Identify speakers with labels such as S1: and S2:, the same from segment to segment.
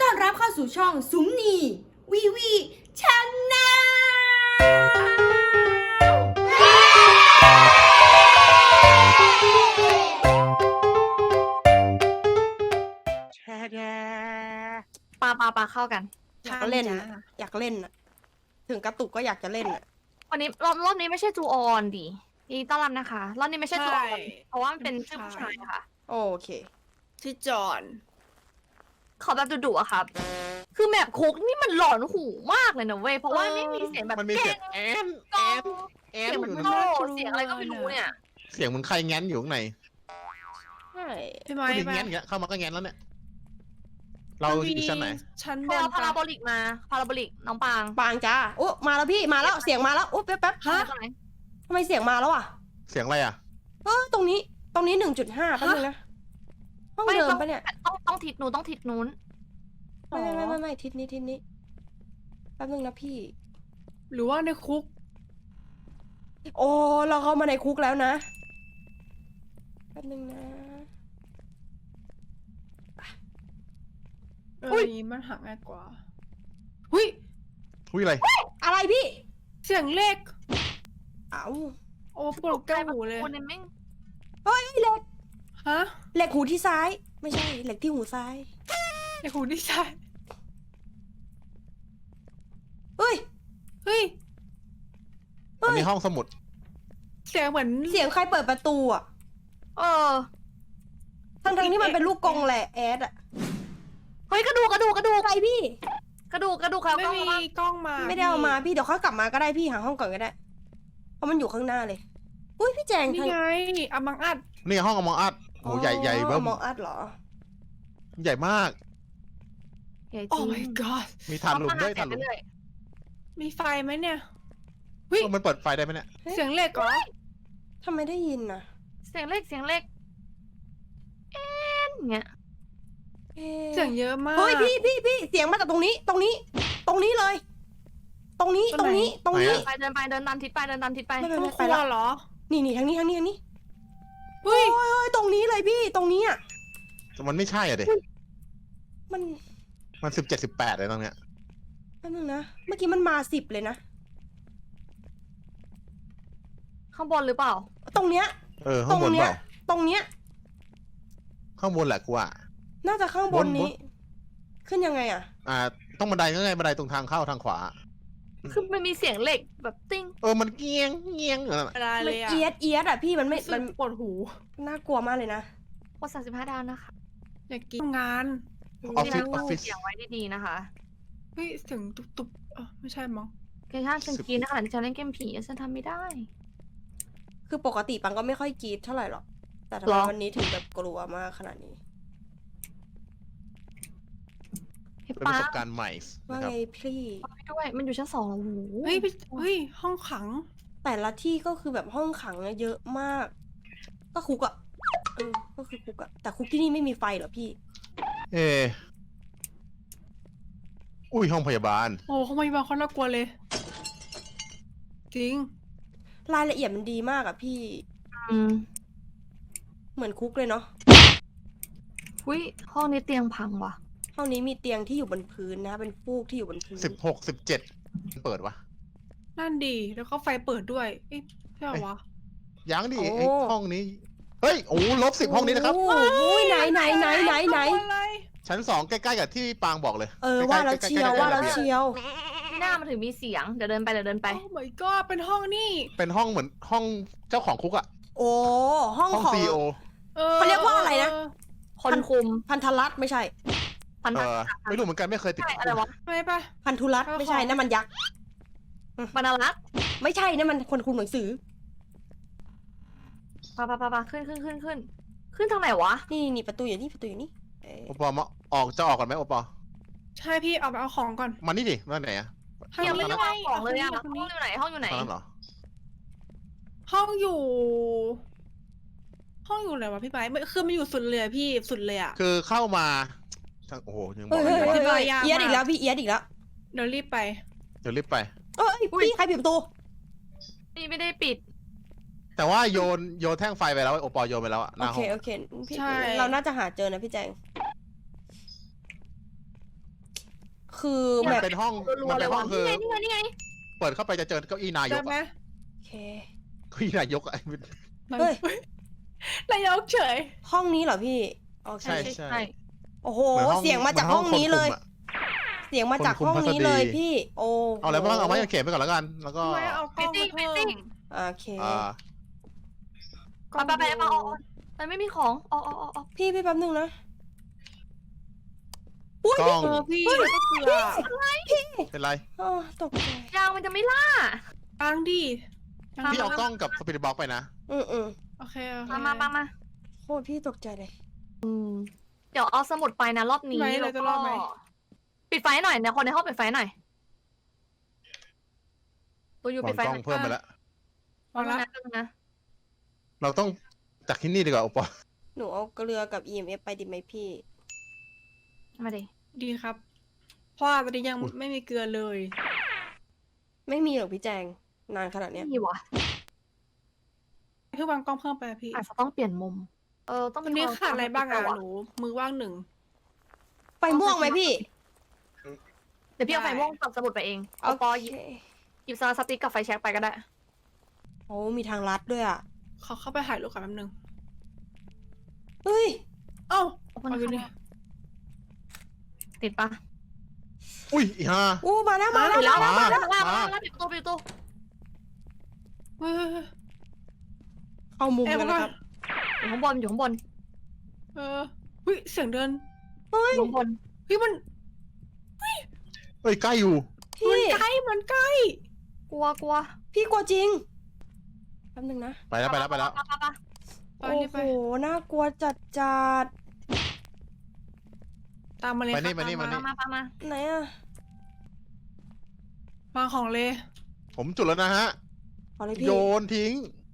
S1: อนรับเข้าสู่ช่องสุมนีวีวีชแน
S2: ปลาเข้ากัน
S3: อยากเล่นนะอยากเล่นอะถึงกระตุกก็อยากจะเล่นอะ
S2: วันนี้รอบนี้ไม่ใช่จูออนดิยินดีต้อนรับนะคะรอบนี้ไม่ใช่จูออนเพราะว่ามันเป็นชื่อผู้ชายค่ะ
S3: โอเค
S1: ชื่อจอน
S2: ขอแบบดุๆอะครับ คือแมปคุกนี่มันหลอนหูมากเลยนะเว้ยเพราะว่าไม่มีเสียงแบบ
S4: มันมีเสียงแอน
S2: กล้อง
S4: แอ
S2: เสี
S4: น
S2: ยง
S4: อ
S2: มัน
S4: ยู่
S2: โล่
S4: นะ
S2: เสียงอะไรก็ไม่รู้เนี่ย
S4: เสียงเหมันใครแง้นอยู่ข้างใน
S3: ใช่
S1: พี่ไม้
S4: ผู้หญิง
S1: ไป
S4: แง้นอย่างเงี้ยเข้ามาก็แง้นแล้วเนี่ย เราอยู่ชั้นไหน
S1: ชั้น
S2: ไป
S1: บน
S2: เอาพาราโบ
S1: ปะ
S2: ลิกมาพาราโบลิกน้องปาง
S3: ปางจ้าโอ้มาแล้วพี่มาแล้วเสียงมาแล้วโอ้แป๊บ
S2: ฮะ
S3: ทำไมเสียงมาแล้วอ่ะ
S4: เสียงอะไรอ่ะ
S3: ตรงนี้1.5แป๊บนึงนะห้องเดิมปะเนี่ย
S2: ต้องทิศนู้นต้องทิศนู้น
S3: ไม่ทิศนี้แป๊บนึงนะพี่
S1: หรือว่าในคุก
S3: โอ้เราเข้ามาในคุกแล้วนะแป๊บนึงนะ
S1: อันนี้มันหาง่ายกว่าหุ้ย
S4: อุ้ยอะไร
S3: อะไรพี่
S1: เสียงเลข
S3: เอ้า
S1: โอ้ปวดแก้วหูเลย
S2: คนนี้แม่ง
S3: เฮ้ยเหล็ก
S1: ฮะ
S3: เหล็กหูที่ซ้าย ไม่ใช่เหล็กที่หูซ้าย
S1: ในหูนี่ใช่
S3: เฮ้ย
S1: เฮ้ย
S4: อันนี้ห้องสมุด
S1: เสียงเหมือน
S3: เสียงใครเปิดประตูอ่ะ
S2: เออ
S3: ทั้งที่มันเป็นลูกกรงแหละแอดอ่ะ
S2: เฮ้ยกระดูก
S3: ใครพี่
S2: กระดูกครับ
S1: ไม่
S2: กล้อง
S1: มี
S2: มา
S1: กล้องมา
S3: ไม่ได้เอามาพี่เดี๋ยวเขากลับมาก็ได้พี่หาห้องก่อนก็ได้ เพราะมันอยู่ข้างหน้าเลย อุ้ยพี่แจง
S1: นี่
S3: ทาง
S1: ไงอามังอัด
S4: นี่ห้องอมองอัดโอ้ใหญ่เบิ้ม
S3: มองอัดเหรอ
S4: ใหญ่มาก
S2: ใหญ่จ
S1: โอ้
S2: ริง
S1: my god
S4: มีถ่านหลุมด้วยถ่านหลุม
S2: เรื่อย
S1: มีไฟไหมเนี่ย
S4: มันเปิดไฟได้ไหมเนี่ย
S1: เสียงเหล็กเหรอ
S3: ทำไมได้ยินนะ
S2: เสียงเล็กเอ็นเงี้ย
S1: เสียงเยอะมาก
S3: เฮ้ยพี่เสียงมาจากตรงนี้เลย ตรงนี้
S1: ตรงไหน
S3: เ
S2: เดินตามทิศไป
S3: ไม่
S1: ห้องค
S3: ไป
S1: รัว
S3: แล้ว
S1: เหรอ
S3: นี่ทางนี้
S1: เฮ้ย
S3: เฮ้ยตรงนี้เลยพี่ตรงนี้อ่ะ
S4: มันไม่ใช่อ่ะเด็
S3: มัน
S4: มัน17 18เลยตรงเนี้ย
S3: แป๊บนึงนะเมื่อกี้มันมา10เลยนะ
S2: ข้างบนหรือเปล่า
S3: ตรงเนี้ย
S4: ข้างบนเปล่า
S3: ตรงเนี้ย
S4: ข้างบนแหละกูอ่ะ
S3: น่าจะข้างบนนี้
S4: บน
S3: ขึ้นยังไงอ่ะ
S4: ต้องบันไดก็ไงบันไดตรงทางเข้าทางขวา
S2: คือมันมีเสียงเหล็กแบบติ้ง
S4: มันเงี้ยอย่างนั้น
S1: อะไร
S3: มั
S1: เล
S3: น
S1: ยอะ
S3: เอียดอ่ะพี่มันไม่
S1: มั
S3: มัน น
S1: ปวดหู
S3: น่ากลัวมากเลยนะ
S2: กด35 ดาวนะคะ
S1: อยากกินงาน
S4: ออฟฟิศ
S2: เสียงไว้ดีๆนะคะ
S1: เฮ้ยเสียงตุบไม่ใช่มั้ง
S2: เกมชาติฉันกินนะคะที่ฉันเล่นเกมผีฉันทำไม่ได้
S3: คือปกติปังก็ไม่ค่อยกรีดเท่าไหร่หรอกแต่ทำ
S2: หร
S3: ไม
S2: อ
S3: วันนี้ถึงแบบกลัวมากขนาดนี้
S2: ให้
S4: เป็นป
S2: ป้า
S4: ระสบการณ์ใหม่
S3: ว่า
S4: นะครับ
S3: ไงพี่
S2: ไปด้วย มันอยู่ชั้น2แล้วโอ้โห
S1: เฮ้ยห้องขัง
S3: แต่ละที่ก็คือแบบห้องขังอะเยอะมาก ก็คุกอะก็คือคุกอะแต่คุกที่นี่ไม่มีไฟเหรอพี่
S4: อุ้ยห้องพยาบาล
S1: โอ้เขาไม่บางคนน่ากลัวเลย จริง
S3: รายละเอียดมันดีมากอะพี่
S2: อืม
S3: เหมือนคุกเลยเนาะ
S2: อุ้ยห้องนี้เตียงพังว่ะ
S3: ห้องนี้มีเตียงที่อยู่บนพื้นนะ เป็นฟูกที่อยู่บนพื้น
S4: 16 17เปิดวะ
S1: นั่นดี แล้วก็ไฟเปิดด้วย เอ๊ะใช่เหรอวะ
S4: ยังดิไอ้ห้องนี้ เฮ้ย-10ห้องนี้นะครับ
S3: โอ้ยไหน
S1: อะไร
S4: ชั้น 2ใกล้ๆกับที่ปางบอกเลย
S3: ว่าแล้วเชียวว่าแล้วเชียว
S2: ที่หน้ามันถึงมีเสียง เดี๋ยวเดินไป
S1: โอ้ my god เป็นห้องนี่
S4: เป็นห้องเหมือนห้องเจ้าของคุกอะ
S3: โอ้ห้อง
S4: ห้อง
S3: ของ
S4: ซีโอ
S3: เขาเรียกว่าอะไรนะ
S2: คนคุม
S3: พันธรัตน์ไม่ใช่
S2: พันธะ
S4: ไม่รู้เหมือนกันไม่เคยติด
S2: ใช่อะไรวะ
S1: ไม่ปะ
S3: พันธุรัตน์ไม่ใช่นั่นมันยักษ์
S2: บรรลักษ์
S3: ไม่ใช่นั่นมันคนคุมหนังสือ
S2: ปะขึ้นขึ้นทางไหนวะ
S3: นี่ประตูอยู่นี่
S4: โอปอมาจะออกก่อนไหมโอปอ
S1: ใช่พี่เอาไปเอาของก่อน
S4: มานี่ดิมาไหนอะ
S2: ยังไม่ได้วางของเลยอะ
S1: ค
S2: ห้อน ง
S1: นี้
S2: อยู่ไหน
S4: ตอนนั้นเหรอ
S1: ห้องอยู่ ห้องอยู่ไหนวะพี่ไบร์ทคือมันอยู่สุดเลยอะพี่สุดเลยอะ
S4: คือเข้ามาโอ้โหยังบอก
S3: เฮ้ย
S4: ไม่ได้
S1: ยากมาก
S3: เอียดอีกแล้วพี่เอียดอีกแล้ว
S1: เดี๋ยวรีบไป
S4: เดี๋ยวรีบไป
S3: พี่ใครปิดประตู
S2: นี่ไม่ได้ปิด
S4: แต่ว่าโยนแท่งไฟไปแล้วโอปอโยนไปแล้วอะห
S3: โอ
S4: น้า
S3: เค
S4: ห้อง
S3: โอเคพี่
S1: ใช่
S3: เราน่าจะหาเจอนะพี่แจงคือ
S4: มั
S3: แบ
S4: น
S3: บ
S4: เป็นห้อง
S2: รัว
S4: มัน
S2: ๆเล
S4: เป็
S2: ย
S4: นห้อ
S2: ว่ะ
S4: งคือ
S2: นี่ไง
S4: เปิดเข้าไปจะเจอเก้าอี้นาย
S1: ได้
S4: ก
S1: ไหม
S4: อะ
S3: โอเค
S4: เก้าอี้นายกอะ
S3: เฮ้ย
S1: นายกเฉย
S3: ห้องนี้เหรอพี่โอเค
S4: ใช่
S3: โอ้โห
S4: เหมือนห้อง
S3: เสียงมาจากห้องนี้เลย
S4: หมือ
S3: เสียงมาจาก
S4: คนคุม
S3: ห้องนี้เลย
S4: พัสดี
S3: พี่ โอ้
S4: ห้องคนคุมเอาอะไรบ้างเอาไว้เข็มไปก่อนแล้วกัน แล้วก็
S1: พี่ไม้เอากล้องมาเพิ่ม
S3: โอเค
S4: อ่า
S2: ไปเอามันไม่มีของออก
S3: พี่แป๊บนึงนะ
S4: กล้อง
S1: พี่แล้วก็เกลือ
S4: เป็นไร
S3: อ๋อตกใจ
S2: ยางมันจะไม่ล่า
S1: ตังดิ
S4: พี่เอากล้องกับสปิริตบ็อกไปนะ
S3: อืม
S1: โอเค
S2: มา
S3: โคตรพี่ตกใจเลย
S2: เดี๋ยวเอาสมุดไปนะรอบนี้แล้วก็ปิดไฟหน่อยเนี่ยคนในห้องปิดไฟหน่อยตัวอยู่
S4: วา
S2: ปิ
S4: ง
S2: ดไฟ
S4: กล้
S2: ห
S4: อ
S2: น่
S4: ง
S2: อย
S4: เพิ่มไปแล้ว
S1: วางละ
S2: นะ
S4: เราต้องจากที่นี่ดีกว่าอุปอ
S3: หนูเอาเกลือกับ EMF ไปดิไหมพี่
S2: มาดิ
S1: ดีครับ เพราะว่าตอนนี้ยังไม่มีเกลือเลย
S3: ไม่มีหรอกพี่แจง นานขนาดเนี้ย
S2: นี่วะ
S1: เพื่อวางกล้องเพิ่มไปพี่
S2: อาจจะต้องเปลี่ยนมุมต้อง
S1: ตอนนี้ขาดอะไรบ้างอะหนูมือว่างหนึ่ง
S3: ไฟม่วงไหมพี่
S2: เดี๋ยวพี่เอาไฟม่วงกับสมุดไปเองเอาปอหยิบสติ๊กกับไฟแช็กไปก็ได้
S3: โอ้มีทางลัดด้วยอ่ะ
S1: เขาเข้าไปถ่ายรูปกันแป๊บนึง
S3: เฮ้ย
S1: เอ้า
S2: เอา
S1: เอาอยู่นี่
S2: ติดปะ
S4: อุ้ยอีห่า
S3: อู้มาแล้วมาแล้ว
S2: แล้ว
S4: มา
S2: แล้วปิดประตู
S1: เฮ้ย
S3: เข้ามุม
S1: แอบ
S3: กัน
S1: ก่
S3: นะ
S1: อน
S3: ครับ
S2: อยู่ข้างบนอยู่ข้างบน
S1: เฮ้ยเสียงเดิน
S2: อยู่ข้างบน
S1: เฮ้ยมัน
S4: เอ้ยใกล้อยู่
S3: พี่
S1: ใกล้มันใกล้
S2: กลัว
S3: พี่กลัวจริง แป๊บนึงนะ
S4: ไปแล้ว
S1: ไป
S3: โอ้
S1: นี่
S3: โห
S1: ไป
S3: น่ากลัวจัดจัด
S1: ตามมาเลย
S4: ไปนี่
S1: ค่ะ
S4: มานี่
S2: มา
S3: ไหนอะ
S1: วางของเลย
S4: ผมจุดแล้วนะฮะ
S3: เอาเลยพี่
S4: โยนทิ้ง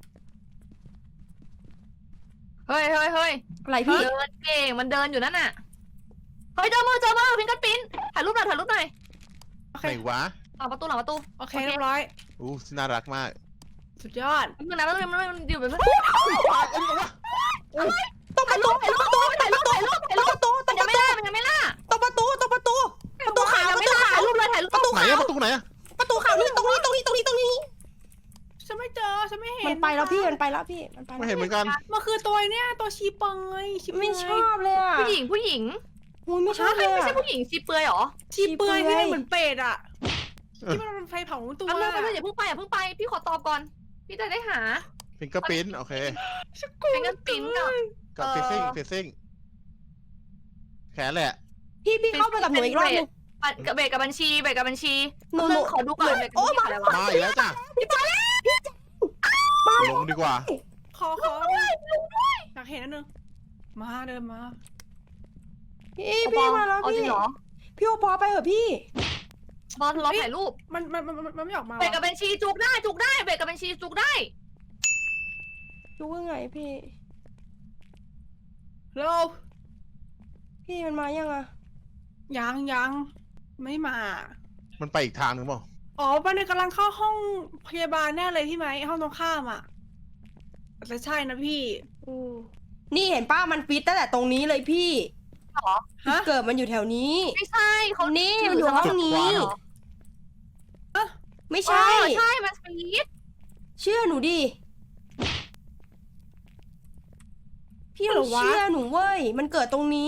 S2: เฮ้ย
S3: อะไรพี่
S2: เดินเก่งมันเดินอยู่นั่นน่ะเฮ้ยเจอมือพิงกันปิ้นถ่ายรูปหน่อย
S1: โอเค
S4: ไหนวะ
S2: หลังประตู
S1: โอเคเรียบร้อย
S4: อู้น่ารักมาก
S1: สุดยอด
S2: มันนะมันอยู่แบบ
S3: ตรงประตูตรงประตูตรงประตูตรงประตูตรง
S2: มัน
S3: ประตู
S2: ยังไม่ล่า
S3: ตรงประตูตรงประตูประตูขาวประตูขาว
S2: ถ่ายรูปเลยถ่ายรูป
S3: ประตู
S4: ไหน
S3: ขาว
S4: อะประตูไหนอะ
S3: ประตูขาวนี่ตรงนี้
S1: ฉันไม่เจอฉันไม่เห็น
S3: มันไปแล้วพี่มันไปแล้วพี่มันไป
S4: ไม่
S3: แล้ว
S4: เห็นเหมือนกัน
S1: มันคือตัวเนี่ยตัวชีเปยชีเป
S3: ไม่
S1: ย
S3: ชอบเลยอ่ะ
S2: ผู้หญิง
S3: อุ้ยไม่ชอบเลย
S2: ไม่ใช่
S3: อะ
S2: ผู้หญิงชีเปลือยหรอ
S1: ชีเปยที่มันเหมือนเป็ดอะ
S4: เออ
S1: ที่มันเป็นไฟเผาตัว
S2: อันนั้นอย่าเพิ่งไปพี่ขอตอบก่อนพี่จะได้หา
S4: ฟิงเกอร์ปิ้นโอเค
S2: เป็นกันปิ้นกับ
S4: กับฟิซซิ่งแขนแหละ
S3: พี่เข้าไปกับหนูอีกรอบนึง
S2: เบรกกับบัญชี
S3: หนู
S2: ขอดูก่อนเบรกกับบัญชีอะไรวะ
S4: มาอีกแล้วจ้ะลงดีกว่า
S1: ขออยากเห็นอันนึงมาเดินมา
S3: พี่มาแล้ว
S2: เอาจริ
S3: พี่
S2: งเหรอ
S3: พี่โอปอไปเหรอพี่
S2: บอลรอถ่ายรูป
S1: มันไม่ออกมา
S2: เบรกกับบัญชีจุกได้เบรกกับบัญชีจุกได้
S3: รู้ว่าไงพี่
S1: เร็ว
S3: พี่มันมายังอะ
S1: ยังไม่มา
S4: มันไปอีกทางหนึ่งเปล่า
S1: อ๋อปันกำลังเข้าห้องพยาบาลแน่เลยพี่ไหมห้องตรงข้ามอ่ะแต่ใช่นะพี่
S3: นี่เห็นป้ามันฟิตตั้งแต่ตรงนี้เลยพี่
S1: ฮะ
S3: เกิดมันอยู่แถวนี้
S2: ไม่ใช่เขา
S3: นี่มันอยู่ห้องนี้ ไม่ใช่
S2: ใช่มันฟีด
S3: เชื่อหนูดิ พี่ต้องเชื่อหนูเว้ย มันเกิดตรงนี้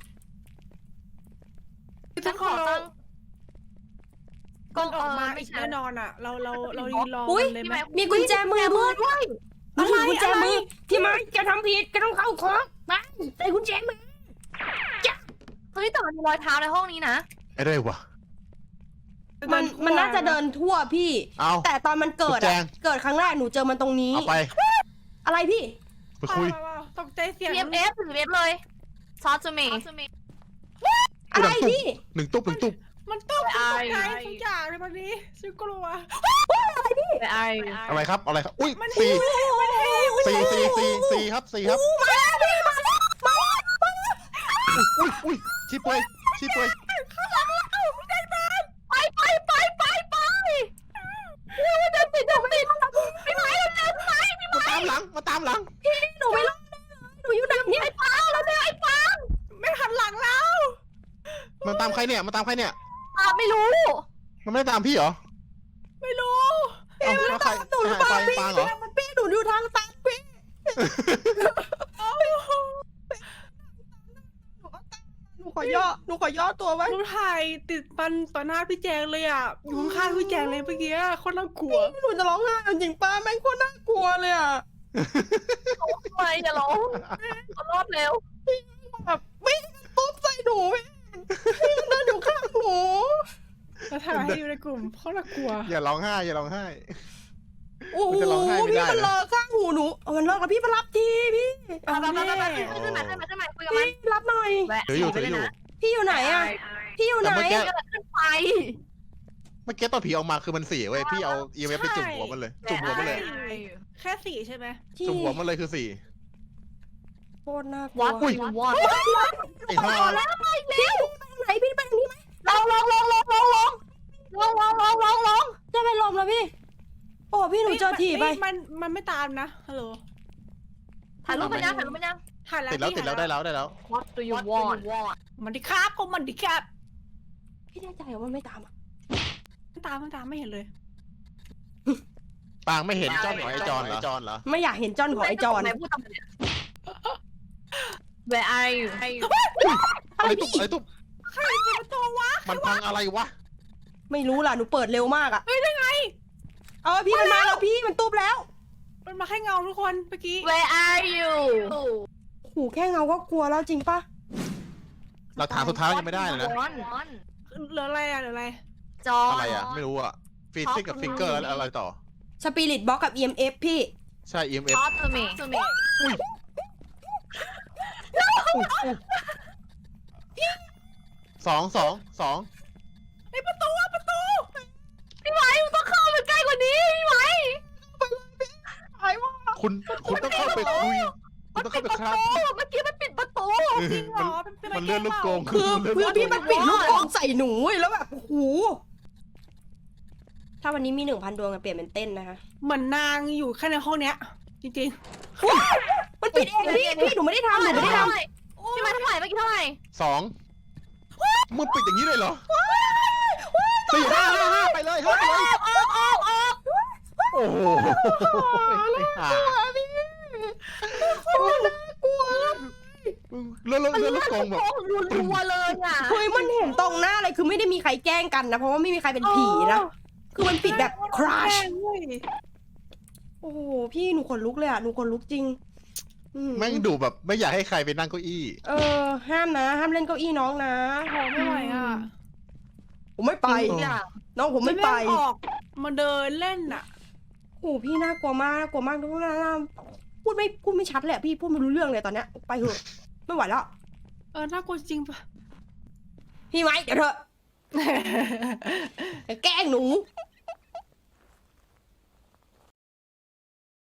S2: ฉันขอตั้ง
S1: ก่อนออกมา
S2: ไม่
S1: อีก
S2: ใช่
S1: แน่นอนอ่ะ เรายืนรอ
S3: อุ๊ย
S1: กันเลยไหม
S3: มีกุญแจมือด้วย
S2: ด้วย
S3: มันถือกุญแจมือ พี่ไม้จะทำผิดก็ต้องเข้าคุกไปใส่กุญแจมือ
S2: เฮ้ยแต่มันมีรอยเท้าในห้องนี้นะ
S4: ไอ้ได้วะ
S3: มันน่าจะเดินทั่วพี่
S4: เอา
S3: แต่ตอนมันเกิด
S4: กุญแจ
S3: อะเกิดครั้งแรกหนูเจอมันตรงนี้
S4: เอาไป
S3: อะไรพี่
S4: ไปคุย
S1: ตกใจเสียง
S2: PMF หรือเว็บเลยซอสจูเม
S3: อะไรพี่
S4: หนึ่งตุ๊บ
S1: มันต้องตกใจทุกอย่างเลยวันนี้ฉันกลัว
S2: ไปไอ
S4: อะไรครับอุ้ย
S1: มัน
S4: สี่
S1: มัน
S4: สี่ครับอุ้ยชีเปย
S2: ไปเดินติดพี่ไม้เร็วพี่ไม้
S4: มาตามหลัง
S3: หนูไม่รอดหนูอยู่ดังเนี่ย
S2: ไอ้ปังแล้วเนี่ยไอ้ปัง
S1: ไม่หันหลังแล้ว
S4: มันตามใครเนี่ย
S2: ไปไม่รู้
S4: มันไม่ได้ตามพี่เหรอ
S1: ไม่รู้
S4: เอ้าแล้วใคร
S3: หนูหรือเปล่า
S4: ใคร
S3: พี่
S4: ปางเหรอ
S3: มันพี่หนูอยู่ทางตันพี่หนูขอย่อตัวไว้
S1: รูปถ่ายติดปันต่อหน้าพี่แจงเลยอ่ะอยู่ข้างๆพี่แจงเลยเมื่อกี้โคนน่ากลัว
S3: หนูจะร้องไห้เอาจริงป้าแม่งโคตรน่ากลัวเลยอ่ะ
S2: ทำไมอย่าร้องขอรอดเร็ว
S3: แบบวิ่งตุ๊บใส่หนูพี่มันเดินอยู่ข้างหนู
S1: แล้วถ่ายให้อยู่ในกลุ่มโคตรน่ากลัว
S4: อย่าร้องไห้อย่าร้องไห้
S3: โอ้โห
S4: มันจะร้องไห้ไม่
S3: พี่
S4: ได้
S3: มัน
S4: นะ
S3: เลอะข้างหูหนูเอามันเลิกแล้วพี่มารับทีพี่
S1: เอา
S2: ไป
S1: แม่
S2: ขึ้นมาคุยกับมัน
S3: พี่รับหน่อย
S2: แวะ
S4: ถืออยู่
S2: ไป
S4: ถือ
S2: เลย
S4: อยู่
S2: นะ
S3: พี่อยู่ไหนอ่ะพี่อยู่ไหน
S4: แต่เมื่อกี้
S2: ขึ้นไป
S4: เมื่อกี้ตอนผีออกมาคือมัน4เว้ยพี่เอา EMF ไปจุ่มหัวมันเลยจุ่มหัวมันเลย
S1: แค่สี่ใช่ไหม
S3: ที่
S4: จุ่มหัวมันเลยคือ4
S3: โคตรน่ากลั
S2: วัด
S3: ว
S2: วัด
S4: ไอ้ห่า
S3: พี่ไหนพี่ไปทางนี้ไหม
S2: ลอง
S3: จะไปลมแล้วพี่ โอ้พี่หนูเจอถีบไป
S1: มันไม่ตามนะฮัลโหล
S2: ถ่ายรูปมันยัง
S1: ถ่ายแล้ว
S4: ติดแล้วได้แล้ว
S2: What do you want
S1: มันดิครับก็มันดิครับ
S3: พี่แน่ใจว่ามันไม่ตามอ่ะ
S1: ไม่ตามไม่เห็นเลย
S4: ปางไม่เห็นจ้อนของไอ้จอนเหรอ
S3: ไม่อยากเห็นจอนของไอจอน
S2: ไหนพูดตามเนี่ย Where are you
S4: อะไรตุ๊บอะไรตุ๊บ
S1: ใครเป็นประตูวะ
S4: มันพังอะไรวะ
S3: ไม่รู้ล่ะหนูเปิดเร็วมากอ่ะเฮ้ยได้ไงเอาพี่มันมาแล้วพี่มันตุ๊บแล้ว
S1: มันมาแค่เงาทุกคนเมื่อกี้
S2: Where are you
S3: หูแค่เงาก็กลัวแล้วจริงปะ
S4: หลักฐานสุดท้ายยังไม่ได้เลยนะ
S1: เหลืออะไรอ่ะเหลืออะไร
S2: จอ
S4: อะไรอ่ะไม่รู้อ่ะฟีซิกกับฟิงเกอร์แล้วอะไรต่อ
S3: สปิริตบ็อกกับ EMF พี่
S4: ใช่ EMF
S2: ทอตเมย์
S4: สอง
S1: ไอ้ประตู
S2: พี่ไหวมึงต้องเข้าไปใกล้กว่านี้พี่ไหว
S3: ไอ้ว่า
S4: คุณต้องเข้าไปคุยคุณต้องเข้าไปครับ
S2: เมื่อกี้มันปิดประตู
S1: จริงเหรอเป็น
S4: มันเลื่อนลูกกง
S3: คือพี่มันปิดลูกกองใส่หนูเว้ยแล้วแบบโอ้โหถ้าวันนี้มี 1,000 ดวงจะเปลี่ยนเป็นเต้นนะคะ
S1: เหมือนนางอยู่แค่ในห้องเนี้ย จริง
S3: มันปิดเองพี่หนูไม่ได้ทำหนูไม่ได้ทำ
S2: พี่ไหวเท่าไหร่เมื่อกี้เท่าไหร่
S4: 2มึงปิดอย่างนี้เลยเหรอ4 5 ไปเลยโอ้โหเลื่อนลูกกงแบบ
S2: รัวๆเลยอ่ะ
S3: เฮ้ยมันเห็นตรงหน้าเลยคือไม่ได้มีใครแกล้งกันนะเพราะว่าไม่มีใครเป็นผีนะคือมันปิดแบบคราช
S1: เว้ย
S3: โอ้โหพี่หนูขนลุกเลยอ่ะหนูขนลุกจริง
S4: แม่งดูแบบไม่อยากให้ใครไปนั่งเก้าอี้
S3: ห้ามนะห้ามเล่นเก้าอี้น้องนะ
S1: โหไม่ไหวอ่ะ
S3: ผมไม่ไป น้องผมไม่ไป
S1: ออกมาเดินเล่นอ่ะ
S3: โอ้พี่น่ากลัวมากทุกคนพูดไม่ชัดเลยพี่พูดไม่รู้เรื่องเลยตอนเนี้ยไปเถอะไม่ไหวแล้ว
S1: น่ากลัวจริงปะ
S3: พี่ไว้เดี๋ยวเถอะแกล้งหนู